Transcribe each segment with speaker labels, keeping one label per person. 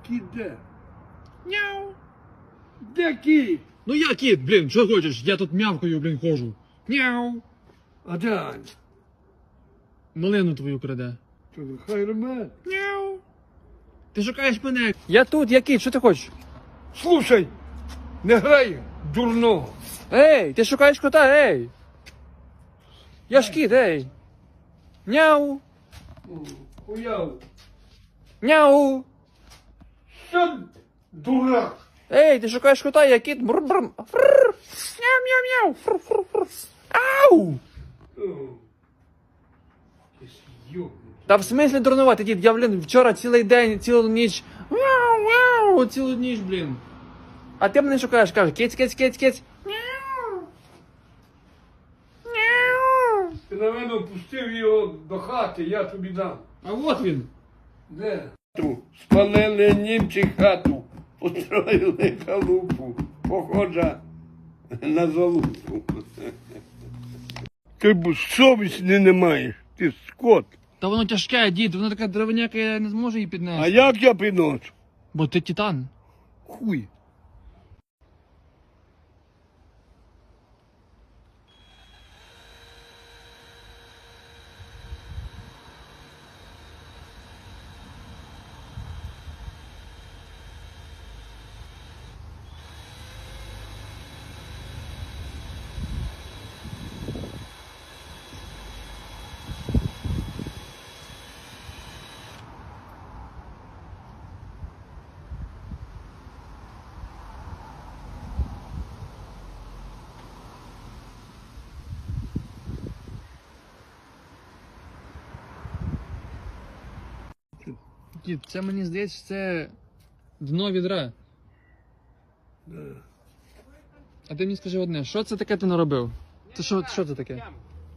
Speaker 1: Кіт де?
Speaker 2: Няу.
Speaker 1: Де кіт?
Speaker 2: Ну я кіт, блін, що хочеш? Я тут мявкою, блін, ходжу. Няу.
Speaker 1: А де Аня?
Speaker 2: Малину твою краде.
Speaker 1: То хай рме.
Speaker 2: Няу. Ти шукаєш мене? Я тут, я кіт, що ти хочеш?
Speaker 1: Слушай, не грай дурного.
Speaker 2: Ей, ти шукаєш кота, ей. Я ж кіт, ей. Няу.
Speaker 1: Уяв.
Speaker 2: Няу.
Speaker 1: Що, дурак?
Speaker 2: Ей, ти шукаєш кота, я кіт. Брр-брр. Фрррр. Мяу-мяу-мяу. Фрррр. Ау. Та в смислі дурнувати, дід, я, блін, вчора цілий день, цілу ніч, мяу, цілу ніч, блін. А ти мене шукаєш, каже, киць, киць, киць, киць.
Speaker 1: Ти, напевно, пустив його до хати, я тобі дам.
Speaker 2: А от він.
Speaker 1: Де? Спалили німці хату, устроїли халупу, похожа на залупу. Ти б совісті не маєш, ти скот.
Speaker 2: Та воно тяжке, дід, воно така деревняка, я не зможу її
Speaker 1: А
Speaker 2: піднести.
Speaker 1: як я підношу?
Speaker 2: Бо ти титан.
Speaker 1: Хуй.
Speaker 2: Дід, це мені здається, це дно відра. А ти мені скажи одне, що це таке ти наробив? Це що це таке?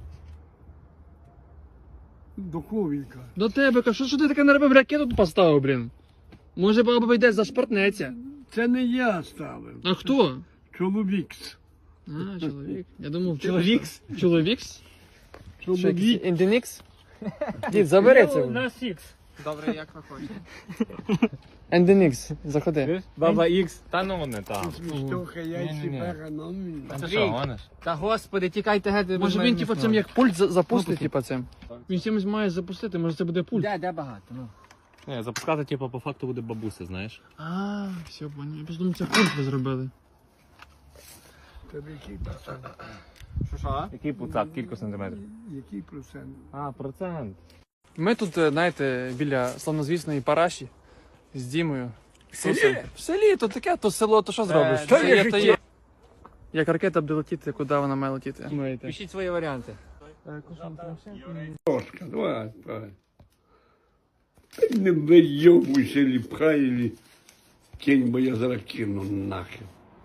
Speaker 1: Духовенька.
Speaker 2: До тебе, кажу, що ти таке наробив, ракету тут поставив, блін? Може баба йде зашпортнеться?
Speaker 1: Це не я ставив.
Speaker 2: А хто?
Speaker 1: Чоловікс.
Speaker 2: А, чоловік. Я думав,
Speaker 3: Чоловікс?
Speaker 2: Чоловікс?
Speaker 1: Чоловік.
Speaker 2: Інденікс? Дід, забери це.
Speaker 3: На Сікс.
Speaker 4: Добре, як ви хочете.
Speaker 2: Інденікс, заходи.
Speaker 3: Баба Ікс. Та ну не там.
Speaker 1: Свістуха, яйці,
Speaker 3: Ні-ні-ні.
Speaker 1: пера, номін.
Speaker 3: Ти що, гониш?
Speaker 4: Та господи, тікайте геть. без
Speaker 2: Може
Speaker 4: мене
Speaker 2: він,
Speaker 4: не
Speaker 2: типу,
Speaker 4: смог.
Speaker 2: цим як пульт запустить, типу, цим. Він чимось має запустити, може це буде пульт.
Speaker 4: Де багато, ну.
Speaker 3: Не, запускати, типу, по факту буде бабуся, знаєш.
Speaker 2: А, все, понял. Я просто думаю, це пульт ви зробили.
Speaker 1: Тебе який процент?
Speaker 4: Що?
Speaker 3: Який пуцак, кілька сантиметрів?
Speaker 1: Який процент?
Speaker 3: А, процент.
Speaker 2: Ми тут, знаєте, біля славнозвісної Параші з Дімою. В селі, то таке, то село, то що зробиш?
Speaker 4: то
Speaker 2: Це
Speaker 4: є
Speaker 2: то
Speaker 4: життя.
Speaker 2: є. Як ракета буде летіти, куди вона має летіти?
Speaker 4: Пишіть свої варіанти.
Speaker 1: Трошка, давай, давай. Та не вийобуйся, или пхай, или кинь, бо я зараз кину нахер.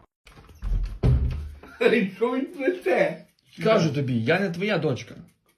Speaker 1: Ей, що він плете?
Speaker 2: Кажу тобі, я не твоя дочка.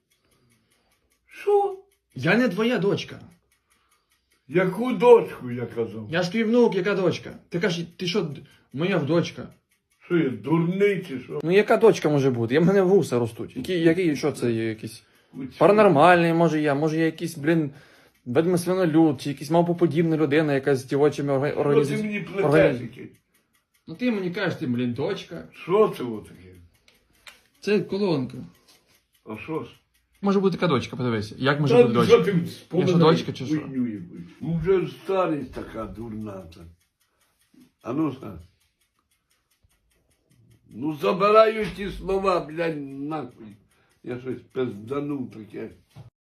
Speaker 1: Що?
Speaker 2: Я не твоя дочка.
Speaker 1: Яку дочку, я казав?
Speaker 2: Я ж твій внук, яка дочка? Ти кажеш, ти що, моя дочка?
Speaker 1: Що я, дурний чи що?
Speaker 2: Ну яка дочка може бути? Я в мене вуса ростуть. Який, що це є якийсь? Паранормальний, може я якийсь, блін, ведьмосвинолюд, чи якийсь мавпоподібна людина, яка з дівочими
Speaker 1: Що ти
Speaker 2: організаціями.
Speaker 1: мені плетеш який?
Speaker 2: Ну ти мені кажеш, ти, блін, дочка.
Speaker 1: Що це таке?
Speaker 2: Це колонка.
Speaker 1: А що ж?
Speaker 2: Може бути така дочка, подивися. Як може
Speaker 1: Та
Speaker 2: бути
Speaker 1: що
Speaker 2: дочка?
Speaker 1: ти
Speaker 2: Я що, дочка чи що?
Speaker 1: хуйню якусь? Ну вже старість така дурна. Та. А ну ска. Ну забираю ті слова, блядь, нахуй. Я щось пизданув таке.